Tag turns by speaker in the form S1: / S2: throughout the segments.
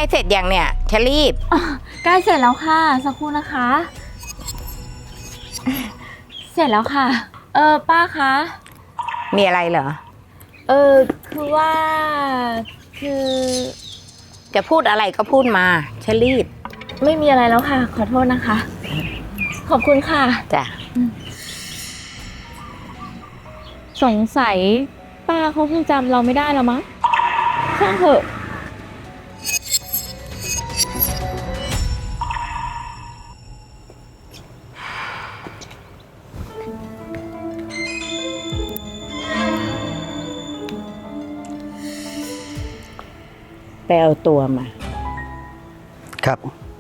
S1: เสร็จอย่างเนี่ยฉันรีบ
S2: ใกล้เสร็จแล้วค่ะสักครู่นะคะ เสร็จแล้วค่ะป้าคะ
S1: มีอะไรเหรอ
S2: คือว่าคือ
S1: จะพูดอะไรก็พูดมาฉันรีบ
S2: ไม่มีอะไรแล้วค่ะขอโทษนะคะขอบคุณค่ะ
S1: จ้ะ
S2: สงสัยป้าเขาคงจำเราไม่ได้แล้วมั้งช่างเถอะ
S1: ไปเอาตัวมา
S3: ครับ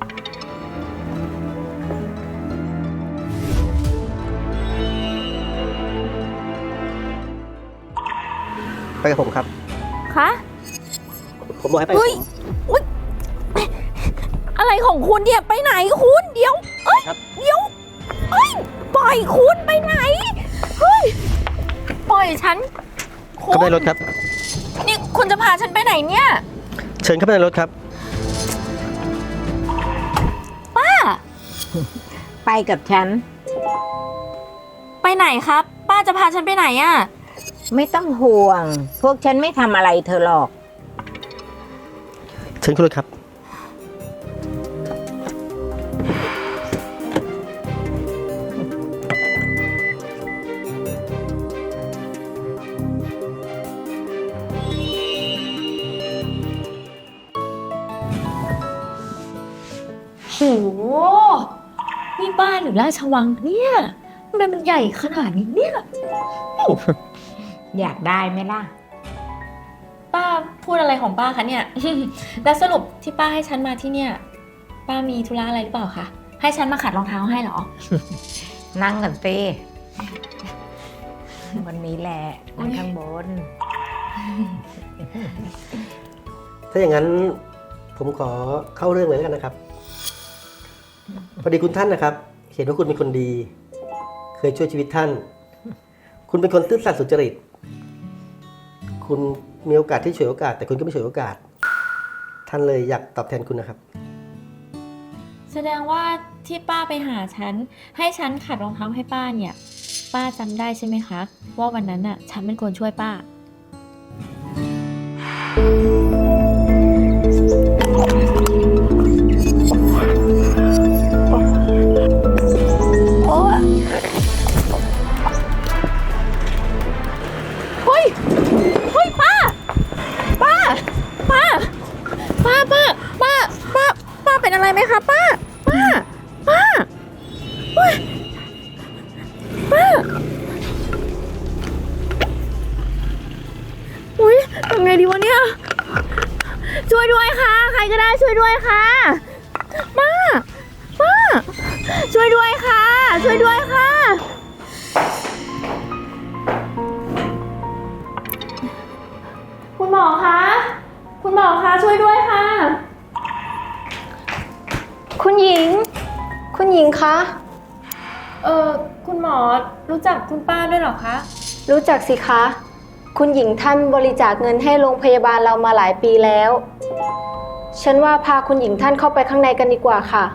S3: ไปกับผมครับ
S2: คะ
S3: ผมบอกให้ไปกับผม
S2: อะไรของคุณเนี่ยไปไหนคุณเดี๋ยว
S3: ครับ
S2: เดี๋ยวปล่อยคุณไปไหนเฮ้ยปล่อยฉัน
S3: เข้าไปในรถครับ
S2: นี่คุณจะพาฉันไปไหนเนี่ย
S3: เชิญเข้าไปในรถครับ
S2: ป้า
S1: ไปกับฉัน
S2: ไปไหนครับป้าจะพาฉันไปไหนอ่ะ
S1: ไม่ต้องห่วงพวกฉันไม่ทำอะไรเธอหรอก
S3: เชิญขึ้นรถครับ
S2: โหนี่บ้านหรือราชวังเนี่ยทำไมมันใหญ่ขนาดนี้เนี่ย
S1: อยากได้ไหมล่ะ
S2: ป้าพูดอะไรของป้าคะเนี่ย แล้วสรุปที่ป้าให้ฉันมาที่เนี่ยป้ามีธุระอะไรหรือเปล่าคะให้ฉันมาขัดรองเท้าให้เหรอ
S1: นั่งกันสิวันนี้แหละนั่งข้างบน
S3: ถ้าอย่างนั้นผมขอเข้าเรื่องเลยแล้วกันนะครับพอดีคุณท่านนะครับเห็นว่าคุณเป็นคนดีเคยช่วยชีวิตท่านคุณเป็นคนซื่อสัตย์สุจริตคุณมีโอกาสที่ฉวยโอกาสแต่คุณก็ไม่ฉวยโอกาสท่านเลยอยากตอบแทนคุณนะครับ
S2: แสดงว่าที่ป้าไปหาฉันให้ฉันขัดรองเท้าให้ป้าเนี่ยป้าจำได้ใช่ไหมคะว่าวันนั้นน่ะฉันเป็นคนช่วยป้าเป็นอะไรไหมคะป้าอุ้ยทำไงดีวะเนี่ยช่วยด้วยค่ะใครก็ได้ช่วยด้วยค่ะป้าช่วยด้วยค่ะช่วยด้วยค่ะคุณหมอคะช่วยด้วยค่ะ
S4: คุณหญิงคะ
S2: คุณหมอรู้จักคุณป้าด้วยเหรอคะ
S4: รู้จักสิคะคุณหญิงท่านบริจาคเงินให้โรงพยาบาลเรามาหลายปีแล้วฉันว่าพาคุณหญิงท่านเข้าไปข้างในกันดีกว่าค่ะ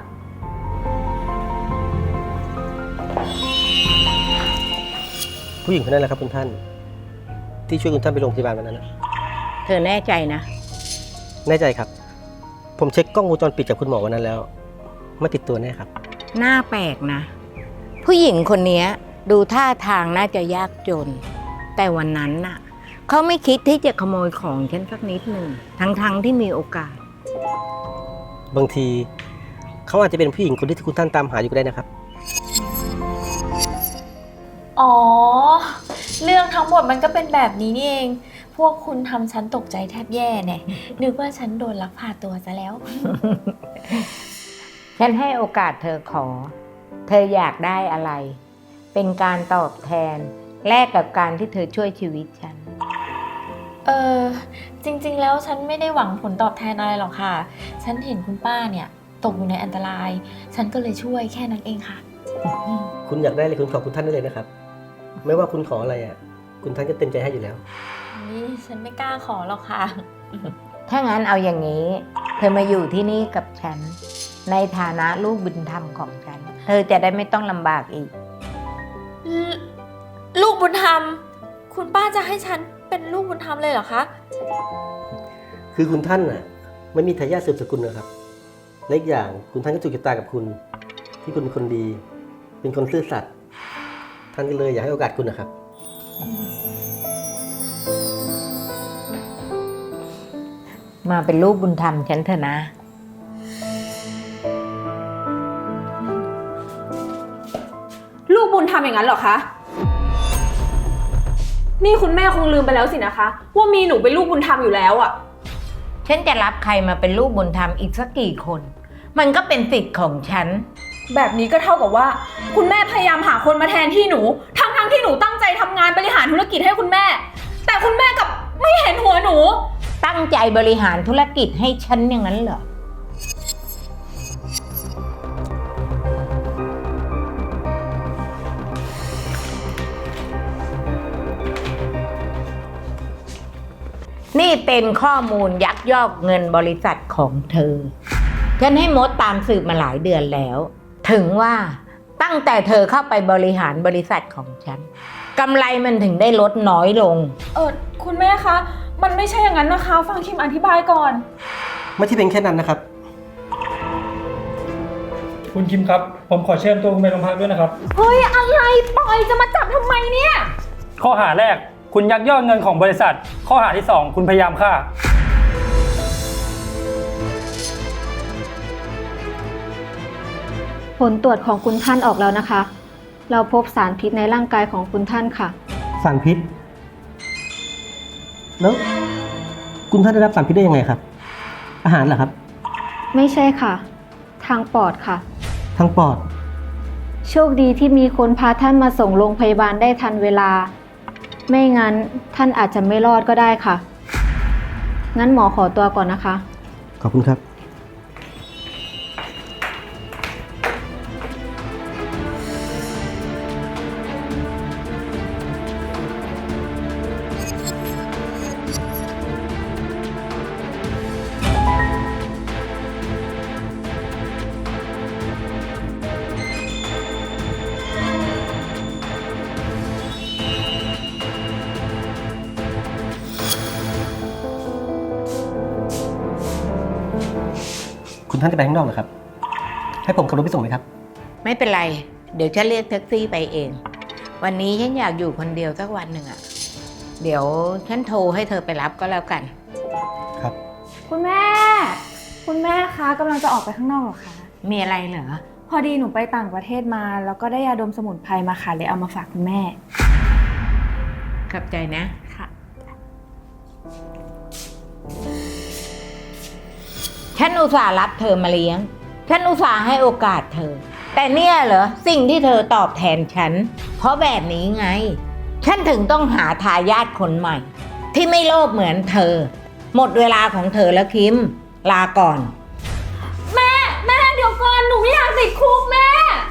S3: ผู้หญิงคนนั้นแหละครับคุณท่านที่ช่วยคุณท่านไปโรงพยาบาลวันนั้นนะ
S1: เธอแน่ใจนะ
S3: แน่ใจครับผมเช็คกล้องวงจรปิดจากคุณหมอวันนั้นแล้วไม่ติดตัวแน่ครับ
S1: น่าแปลกนะผู้หญิงคนนี้ดูท่าทางน่าจะยากจนแต่วันนั้นน่ะเขาไม่คิดที่จะขโมยของฉันสักนิดหนึ่งทั้งที่มีโอกาส
S3: บางทีเขาอาจจะเป็นผู้หญิงคนที่คุณท่านตามหาอยู่ก็ได้นะครับ
S2: อ๋อเรื่องทั้งหมดมันก็เป็นแบบนี้นี่เองพวกคุณทำฉันตกใจแทบแย่เนี่ยนึกว่าฉันโดนลักพาตัวซะแล้ว
S1: ฉันให้โอกาสเธอขอเธออยากได้อะไรเป็นการตอบแทนแลกกับการที่เธอช่วยชีวิตฉัน
S2: จริงๆแล้วฉันไม่ได้หวังผลตอบแทนอะไรหรอกค่ะฉันเห็นคุณป้าเนี่ยตกอยู่ในอันตรายฉันก็เลยช่วยแค่นั้นเองค่ะ
S3: คุณอยากได้อะไรคุณขอคุณท่านได้เลยนะครับไม่ว่าคุณขออะไรอ่ะคุณท่านก็เต็มใจให้อยู่แล้ว
S2: นี่ฉันไม่กล้าขอหรอกค่ะ
S1: ถ้างั้นเอาอย่างนี้ เธอมาอยู่ที่นี่กับฉัน ในฐานะลูกบุญธรรมของฉัน เธอจะได้ไม่ต้องลำบากอีก
S2: ลูกบุญธรรม คุณป้าจะให้ฉันเป็นลูกบุญธรรมเลยเหรอคะ
S3: คือคุณท่านน่ะไม่มีทายาทสืบสกุลนะครับและอีกอย่างคุณท่านก็ถูกชะตากับคุณ ที่คุณเป็นคนดี เป็นคนซื่อสัตย์ท่านก็เลยอยากให้โอกาสคุณนะครับ
S1: มาเป็นลูกบุญธรรมฉันเถอะนะ
S5: ลูกบุญทำอย่างนั้นเหรอคะ นี่คุณแม่คงลืมไปแล้วสินะคะ ว่ามีหนูเป็นลูกบุญธรรมอยู่แล้วอะ
S1: ฉันจะรับใครมาเป็นลูกบุญธรรมอีกสักกี่คน มันก็เป็นสิทธิ์ของฉัน
S5: แบบนี้ก็เท่ากับว่า คุณแม่พยายามหาคนมาแทนที่หนู ทั้งที่หนูตั้งใจทำงานบริหารธุรกิจให้คุณแม่ แต่คุณแม่กลับไม่เห็นหัวหนู
S1: ตั้งใจบริหารธุรกิจให้ฉันอย่างนั้นเหรอ นี่เป็นข้อมูลยักยอกเงินบริษัทของเธอ ฉันให้มดตามสืบมาหลายเดือนแล้ว ถึงว่าตั้งแต่เธอเข้าไปบริหารบริษัทของฉันกำไรมันถึงได้ลดน้อยลง
S5: คุณแม่คะ มันไม่ใช่อย่างนั้นนะคะ ฟังคิมอธิบายก่อน
S3: ไม่ใช่เป็นแค่นั้นนะครับ
S6: คุณคิมครับ ผมขอเชิญตัวคุณไปโรงพักด้วยนะครับ
S5: เฮ้ย อะไรปล่อยจะมาจับทำไมเนี่ย
S6: ข้อหาแรก คุณยักยอกเงินของบริษัท ข้อหาที่ 2 คุณพยายามฆ่า
S4: ผลตรวจของคุณท่านออกแล้วนะคะ เราพบสารพิษในร่างกายของคุณท่านค่ะ
S3: สารพิษ แล้วคุณท่านได้รับสารพิษได้ยังไงครับ อาหารเหรอครับ
S4: ไม่ใช่ค่ะ ทางปอดค่ะ
S3: ทางปอด
S4: โชคดีที่มีคนพาท่านมาส่งโรงพยาบาลได้ทันเวลา ไม่งั้นท่านอาจจะไม่รอดก็ได้ค่ะ งั้นหมอขอตัวก่อนนะคะ
S3: ขอบคุณครับ คุณท่านจะไปข้างนอกเหรอครับ ให้ผมขับรถไปส่งไหมครับ
S1: ไม่เป็นไร เดี๋ยวฉันเรียกแท็กซี่ไปเอง วันนี้ฉันอยากอยู่คนเดียวสักวันหนึ่งอะเดี๋ยวฉันโทรให้เธอไปรับก็แล้วกัน
S3: ครับ
S5: คุณแม่ คุณแม่คะกำลังจะออกไปข้างนอกเหรอคะ
S1: มีอะไรเหรอ
S5: พอดีหนูไปต่างประเทศมา แล้วก็ได้ยาดมสมุนไพรมาค่ะเลยเอามาฝากคุณแม่
S1: ขอบใจนะ
S5: ค่ะ
S1: ฉันอุตส่าห์รับเธอมาเลี้ยง ฉันอุตส่าห์ให้โอกาสเธอ แต่เนี่ยเหรอสิ่งที่เธอตอบแทนฉัน เพราะแบบนี้ไง ฉันถึงต้องหาทายาทคนใหม่ ที่ไม่โลภเหมือนเธอ หมดเวลาของเธอแล้วคิม ลาก่อน
S5: แม่เดี๋ยวก่อนหนูไม่อยากติดคุกแม่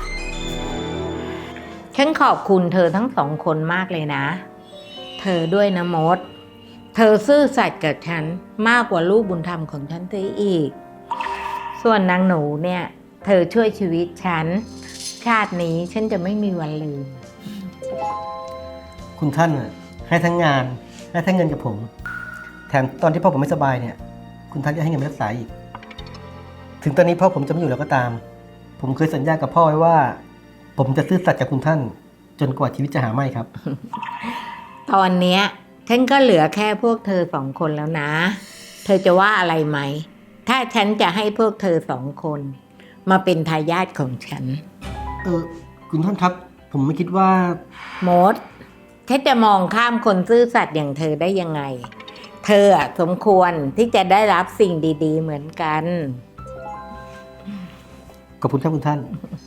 S1: ฉันขอบคุณเธอทั้งสองคนมากเลยนะ เธอด้วยนะมด เธอซื่อสัตย์กับฉันมากกว่าลูกบุญธรรมของฉันเสียอีก ส่วนนางหนูเนี่ย เธอช่วยชีวิตฉัน ชาตินี้ฉันจะไม่มีวันลืม
S3: คุณท่านน่ะให้ทั้งงานให้ทั้งเงินกับผม แถมตอนที่พ่อผมไม่สบายเนี่ย คุณท่านก็ให้เงินไปรักษาอีก ถึงตอนนี้พ่อผมจะไม่อยู่แล้วก็ตาม ผมเคยสัญญากับพ่อไว้ว่า ผมจะซื่อสัตย์กับคุณท่าน จนกว่าชีวิตจะหาไม่ครับ
S1: ตอนเนี้ยฉันก็เหลือแค่พวกเธอสองคนแล้วนะ เธอจะว่าอะไรไหม ถ้าฉันจะให้พวกเธอสองคน มาเป็นทายาทของฉัน
S3: คุณท่านครับ ผมไม่คิดว่า
S1: มดฉันจะมองข้ามคนซื่อสัตย์อย่างเธอได้ยังไง เธออะสมควรที่จะได้รับสิ่งดีๆเหมือนกัน
S3: ขอบคุณครับคุณท่าน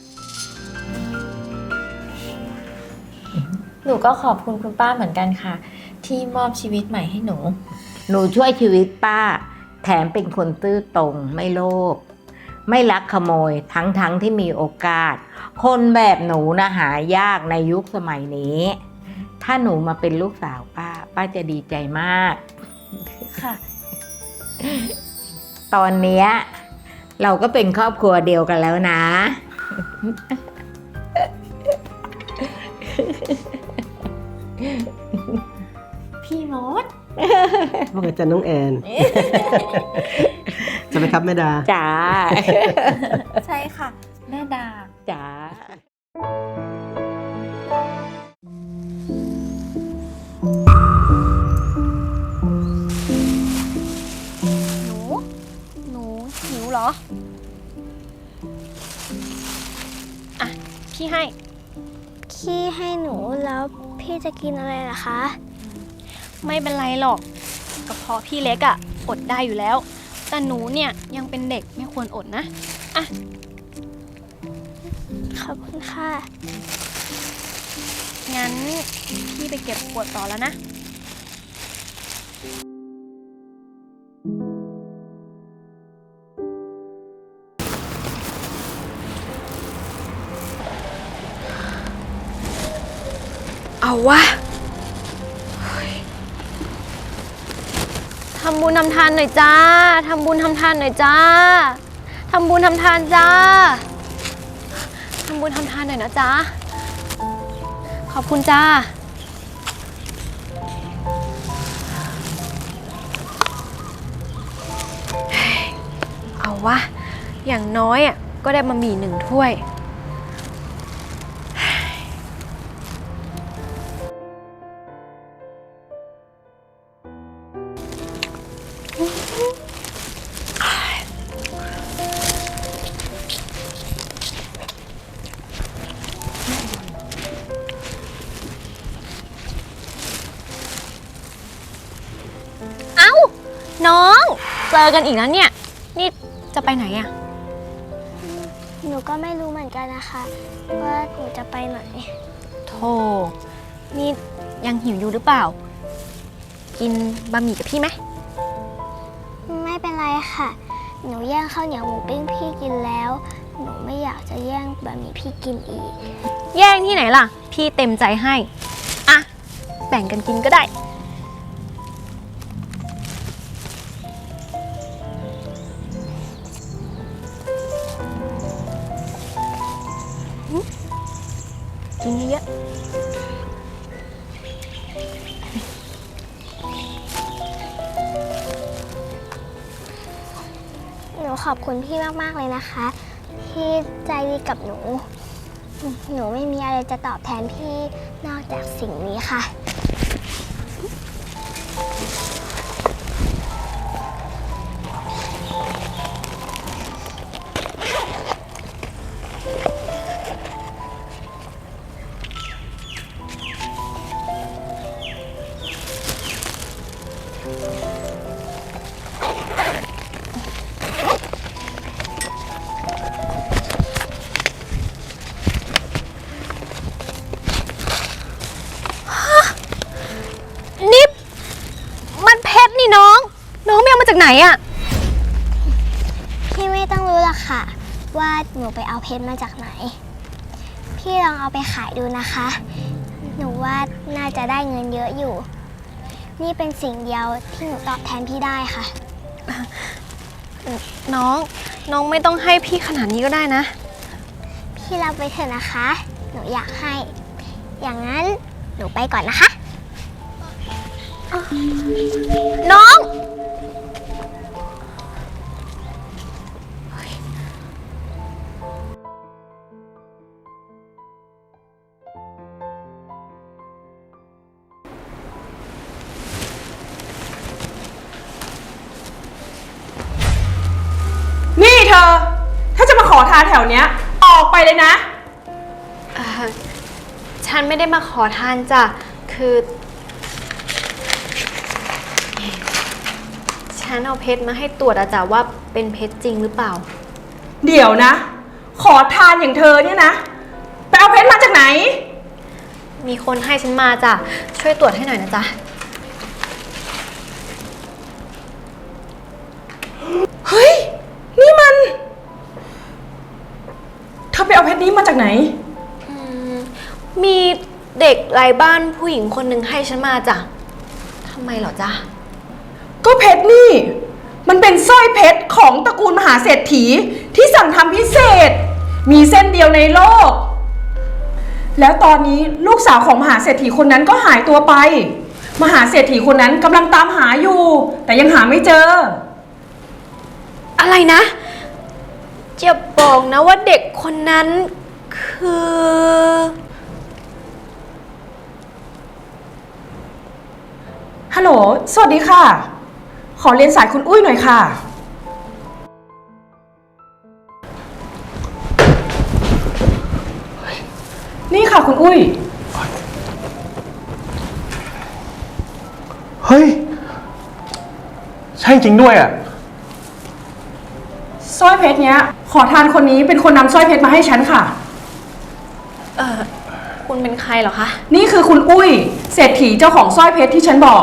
S2: หนูก็ขอบคุณคุณป้าเหมือนกันค่ะ ที่มอบชีวิตใหม่ให้หนู
S1: หนูช่วยชีวิตป้า แถมเป็นคนซื่อตรงไม่โลภไม่ลักขโมยทั้งที่มีโอกาส คนแบบหนูนะหายากในยุคสมัยนี้ ถ้าหนูมาเป็นลูกสาวป้าจะดีใจมาก
S2: ค่ะ
S1: ตอนเนี้ยเราก็เป็นครอบครัวเดียวกันแล้วนะ
S2: พี่มด
S3: ว่าไงจ๊ะน้องแอน จะไหมครับแม่ดา
S1: จ๋า
S2: ใช่ค่ะ แม่ดา
S1: จ๋า
S7: หนูหิวเหรอ อ่ะ พี่ให้
S8: พี่ให้หนูแล้วพี่จะกินอะไรล่ะคะ
S7: ไม่เป็นไรหรอกกระเพาะพี่เล็กอะอดได้อยู่แล้ว แต่หนูเนี่ยยังเป็นเด็กไม่ควรอดนะ อ่ะ
S8: ขอบคุณค่ะ
S7: งั้นพี่ไปเก็บขวดต่อแล้วนะ เอาวะ ทำบุญทำทานหน่อยจ้า ทำบุญทำทานหน่อยจ้า ทำบุญทำทานจ้า ทำบุญทำทานหน่อยนะจ้า ขอบคุณจ้า เอาวะ อย่างน้อยอ่ะก็ได้บะหมี่1 ถ้วย เอ้า น้อง เจอกันอีกแล้วเนี่ย นี่จะไปไหนอะ
S8: หนูก็ไม่รู้เหมือนกันนะคะ ว่าหนูจะไปไหน
S7: โธ่นี่ยังหิวอยู่หรือเปล่า กินบะหมี่กับพี่ไหม
S8: ไม่เป็นไรค่ะ หนูแย่งข้าวเหนียวหมูปิ้งพี่กินแล้ว หนูไม่อยากจะแย่งบะหมี่พี่กินอีก
S7: แย่งที่ไหนล่ะ พี่เต็มใจให้ อ่ะ แบ่งกันกินก็ได้ กินเยอะ
S8: หนูขอบคุณพี่มากๆเลยนะคะ ที่ใจดีกับหนู หนูไม่มีอะไรจะตอบแทนพี่นอกจากสิ่งนี้ค่ะ
S7: นี่มันเพชรนี่น้อง น้องไม่เอามาจากไหนอะ
S8: พี่ไม่ต้องรู้หรอกค่ะ ว่าหนูไปเอาเพชรมาจากไหน พี่ลองเอาไปขายดูนะคะ หนูว่าน่าจะได้เงินเยอะอยู่ นี่เป็นสิ่งเดียวที่หนูตอบแทนพี่ได้ค่ะ
S7: น้องไม่ต้องให้พี่ขนาดนี้ก็ได้นะ
S8: พี่รับไปเถอะนะคะ หนูอยากให้ อย่างนั้นหนูไปก่อนนะคะ
S7: น้อง
S5: นี่เธอ ถ้าจะมาขอทานแถวเนี้ย ออกไปเลยนะ
S7: ฉันไม่ได้มาขอทานจ้ะ คือ ฉันเอาเพชรมาให้ตรวจอะจ้ะว่าเป็นเพชรจริงหรือเปล่า
S5: เดี๋ยวนะ ขอทานอย่างเธอเนี่ยนะ ไปเอาเพชรมาจากไหน
S7: มีคนให้ฉันมาจ้ะ ช่วยตรวจให้หน่อยนะจ๊ะ
S5: เฮ้ย นี่มัน เธอไปเอาเพชรนี้มาจากไหน
S7: มีเด็กไร้บ้านผู้หญิงคนหนึ่งให้ฉันมาจ้ะ ทำไมเหรอจ๊ะ
S5: ก็เพชรนี่
S9: มันเป็นสร้อยเพชรของตระกูลมหาเศรษฐีที่สั่งทำพิเศษ มีเส้นเดียวในโลก แล้วตอนนี้ลูกสาวของมหาเศรษฐีคนนั้นก็หายตัวไป มหาเศรษฐีคนนั้นกำลังตามหาอยู่ แต่ยังหาไม่เจอ
S7: อะไรนะจะบอกนะว่าเด็กคนนั้นคือ
S9: ฮัลโหล สวัสดีค่ะ ขอเรียนสายคุณอุ้ยหน่อยค่ะ นี่ค่ะคุณอุ้ย
S10: เฮ้ย ใช่จริงด้วยอ่ะ
S9: สร้อยเพชรเนี้ย ขอทานคนนี้เป็นคนนำสร้อยเพชรมาให้ฉันค่ะ
S7: คุณเป็นใครเหรอคะ
S9: นี่คือคุณอุ้ย เศรษฐีเจ้าของสร้อยเพชรที่ฉันบอก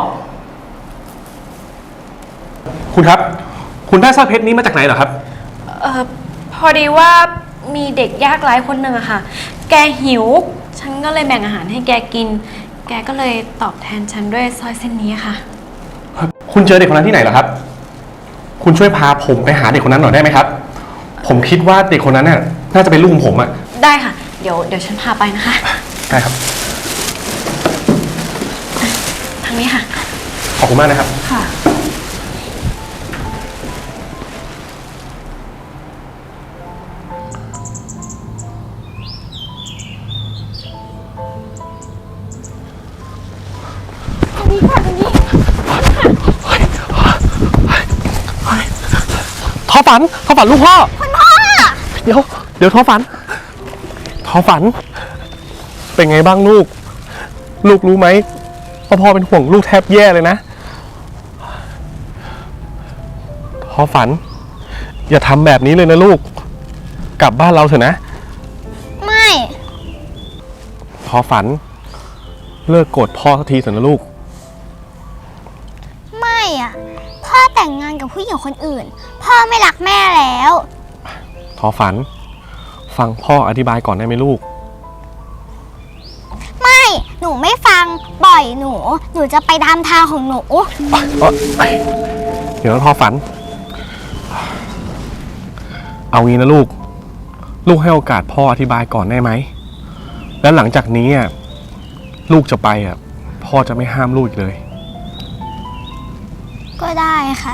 S10: คุณครับ คุณได้สร้อยเพชรนี้มาจากไหนเหรอครับ
S7: พอดีว่ามีเด็กยากไร้คนหนึ่งอะค่ะ แกหิว ฉันก็เลยแบ่งอาหารให้แกกิน แกก็เลยตอบแทนฉันด้วยสร้อยเส้นนี้ค่ะ
S10: คุณเจอเด็กคนนั้นที่ไหนเหรอครับ คุณช่วยพาผมไปหาเด็กคนนั้นหน่อยได้ไหมครับ ผมคิดว่าเด็กคนนั้นน่ะน่าจะเป็นลูกของผมอ่ะ
S7: ได้ค่ะ เดี๋ยวฉันพาไปนะคะ
S10: ได้ครับ
S7: ทางนี้ค่ะ
S10: ขอบคุณมากนะครับ
S9: ค่ะ
S10: ท้อฝันลูกพ่อ คุณพ่อ เดี๋ยวท้อฝัน เป็นไงบ้างลูก ลูกรู้ไหมว่าพ่อเป็นห่วงลูกแทบแย่เลยนะท้อฝัน อย่าทำแบบนี้เลยนะลูก กลับบ้านเราเถอะนะ
S8: ไม่
S10: ท้อฝัน เลิกโกรธพ่อสักทีเถอะนะลูก
S8: ไม่อะพ่อแต่งงานกับผู้หญิงคนอื่น พ่อไม่รักแม่แล้ว
S10: ท้อฝัน ฟังพ่ออธิบายก่อนได้ไหมลูก
S8: ไม่ หนูไม่ฟัง ปล่อยหนู หนูจะไปตามทางของหนู
S10: เดี๋ยวนะท้อฝัน เอางี้นะลูก ลูกให้โอกาสพ่ออธิบายก่อนได้ไหม แล้วหลังจากนี้อ่ะลูกจะไปอ่ะพ่อจะไม่ห้ามลูกอีกเลย
S8: ก็ได้ค่ะ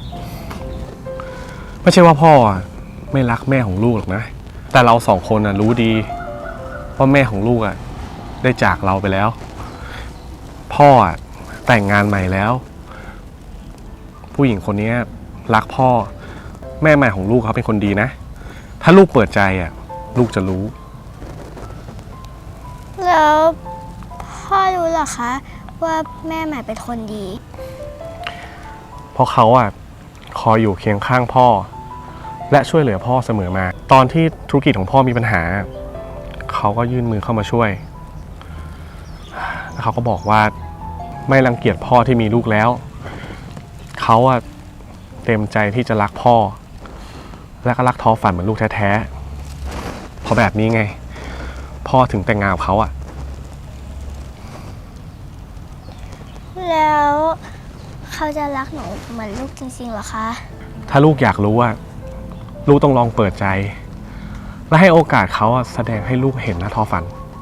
S10: ไม่ใช่ว่าพ่ออ่ะไม่รักแม่ของลูกหรอกนะ แต่เราสองคนอ่ะรู้ดีว่าแม่ของลูกอ่ะได้จากเราไปแล้ว พ่ออ่ะแต่งงานใหม่แล้ว ผู้หญิงคนนี้รักพ่อ แม่ใหม่ของลูกเขาเป็นคนดีนะ ถ้าลูกเปิดใจอ่ะลูกจะรู้
S8: แล้วพ่อรู้เหรอคะ ว่าแม่ใหม่เป็นคนดี
S10: เพราะเขาอ่ะคอยอยู่เคียงข้างพ่อ และช่วยเหลือพ่อเสมอมา ตอนที่ธุรกิจของพ่อมีปัญหา เขาก็ยื่นมือเข้ามาช่วยแล้วเขาก็บอกว่าไม่รังเกียจพ่อที่มีลูกแล้ว เขาอ่ะเต็มใจที่จะรักพ่อ และก็รักท้อฝันเหมือนลูกแท้ๆเพราะแบบนี้ไง พ่อถึงแต่งงานกับเขาอ่ะ
S8: แล้วเขาจะรักหนูเหมือนลูกจริงๆเหรอคะ
S10: ถ้าลูกอยากรู้ว่าลูกต้องลองเปิดใจ และให้โอกาสเขาแสดงให้ลูกเห็นนะท้อฝัน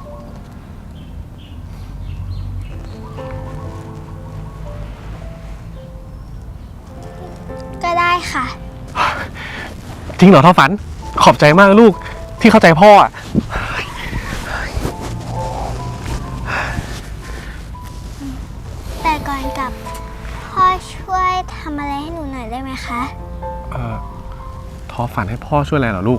S8: ก็ได้ค่ะ
S10: จริงเหรอท้อฝัน ขอบใจมากลูกที่เข้าใจพ่ออ่ะ
S8: แต่ก่อนกลับ พ่อช่วยทำอะไรให้หนูหน่อยได้ไหมคะ
S10: ท้อฝันให้พ่อช่วยอะไรเหรอลูก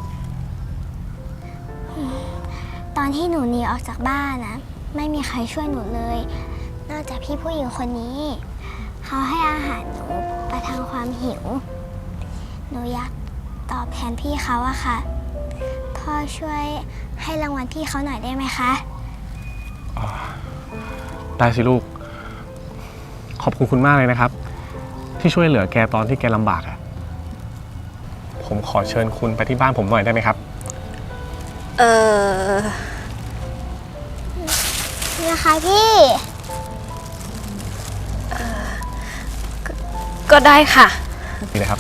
S8: ตอนที่หนูหนีออกจากบ้านนะไม่มีใครช่วยหนูเลย นอกจากพี่ผู้หญิงคนนี้ เขาให้อาหารหนูประทังความหิว หนูอยากตอบแทนพี่เขาอะค่ะ พ่อช่วยให้รางวัลพี่เขาหน่อยได้ไหมคะ
S10: ได้สิลูก ขอบคุณมากเลยนะครับ ที่ช่วยเหลือแกตอนที่แกลำบากอะผมขอเชิญคุณไปที่บ้านผมหน่อยได้ไหมครับ
S8: นะคะพี่
S7: ก็ได้ค่ะ
S10: นี่นะครับ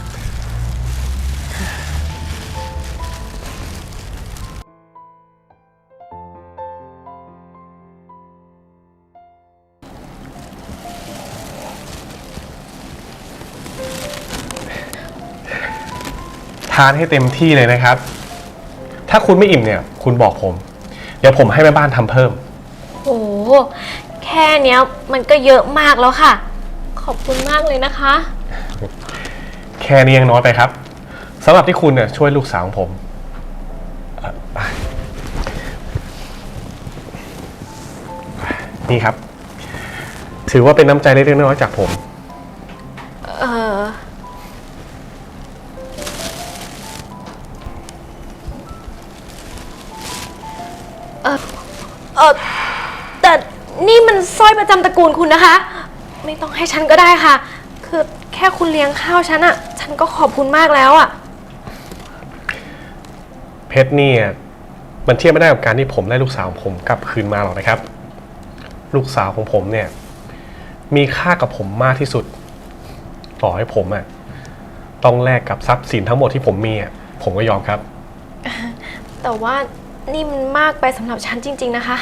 S10: ทานให้เต็มที่เลยนะครับ ถ้าคุณไม่อิ่มเนี่ย คุณบอกผม เดี๋ยวผมให้แม่บ้านทำเพิ่ม
S7: โอ้แค่เนี้ยมันก็เยอะมากแล้วค่ะ ขอบคุณมากเลยนะคะ
S10: แค่นี้ยังน้อยไปครับสำหรับที่คุณเนี่ยช่วยลูกสาวของผมนี่ครับ ถือว่าเป็นน้ำใจเล็กๆน้อยๆจากผม
S7: แต่นี่มันสร้อยประจำตระกูลคุณนะคะ ไม่ต้องให้ฉันก็ได้ค่ะ คือแค่คุณเลี้ยงข้าวฉันอะฉันก็ขอบคุณมากแล้วอะ
S10: เพชรนี่มันเทียบไม่ได้กับการที่ผมได้ลูกสาวของผมกลับคืนมาหรอกนะครับ ลูกสาวของผมเนี่ยมีค่ากับผมมากที่สุด ต่อให้ผมต้องแลกกับทรัพย์สินทั้งหมดที่ผมมีผมก็ยอมครับ
S7: แต่ว่านี่มันมากไปสำหรับฉันจริงๆนะคะ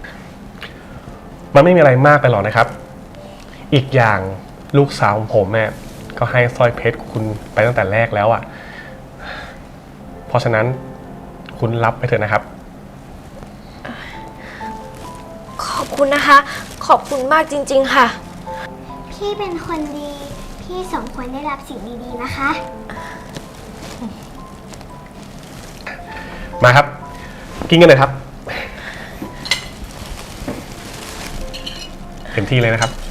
S10: มันไม่มีอะไรมากไปหรอกนะครับ อีกอย่างลูกสาวของผมก็ให้สร้อยเพชรคุณไปตั้งแต่แรกแล้วเพราะฉะนั้นคุณรับไปเถอะนะครับ
S7: ขอบคุณนะคะ ขอบคุณมากจริงๆค่ะ
S8: พี่เป็นคนดี พี่สมควรได้รับสิ่งดีๆนะคะ
S10: มาครับ กินกันเลยครับเต็มที่เลยนะครับ